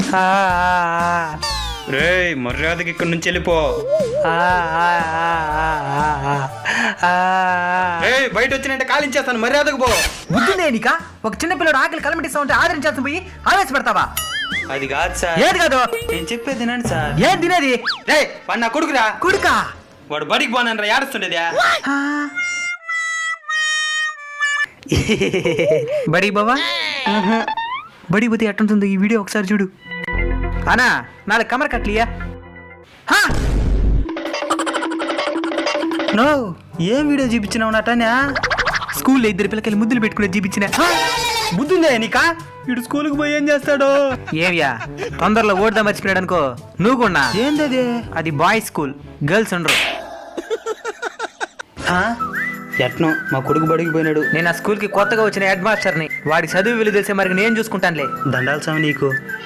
రేయ్ మర్యాదకి ఇక్కడి నుంచి వెళ్ళిపో. బయట వచ్చినంటే కాలించేస్తాను, మర్యాదకు పో. బుద్ధిందే నీకా? ఒక చిన్న పిల్లడు ఆకలి కలమటిస్తా ఉంటే ఆదరించాల్సి పోయి ఆవేశ పెడతావా? అది కాదు సార్. ఏది కాదు? నేను చెప్పేది తినండి సార్. ఏం తినేది? రే వాడు నా కొడుకురా. కొడుకా? వాడు బడికి పోనరా ఏడుస్తుండేదా? బడి బావా బడి పోతే ఎట్టుంటుందో ఈ వీడియో ఒకసారి చూడు. అనా 4 కమర్ కట్లియా? నో, ఏం వీడియో చూపించినావు నాటనా? స్కూల్లో 2 పిల్లకాయలు ముద్దులు పెట్టుకునే చూపించిన. బుద్ధుందే నీకా? వీడు స్కూల్కి పోయి ఏం చేస్తాడు? ఏవ్యా తొందరలో ఓడదా మర్చిపోయాడు అనుకో. నువ్వు కూడా ఏందది? అది బాయ్స్ స్కూల్, గర్ల్స్ ఉండరు. ఎట్నో మా కొడుకు బడికి పోయినాడు. నేను ఆ స్కూల్ కి కొత్తగా వచ్చిన హెడ్ మాస్టర్ని. వాడి చదువు విలువ తెలిసే మరి నేను చూసుకుంటానులే. దండాల్సామి నీకు.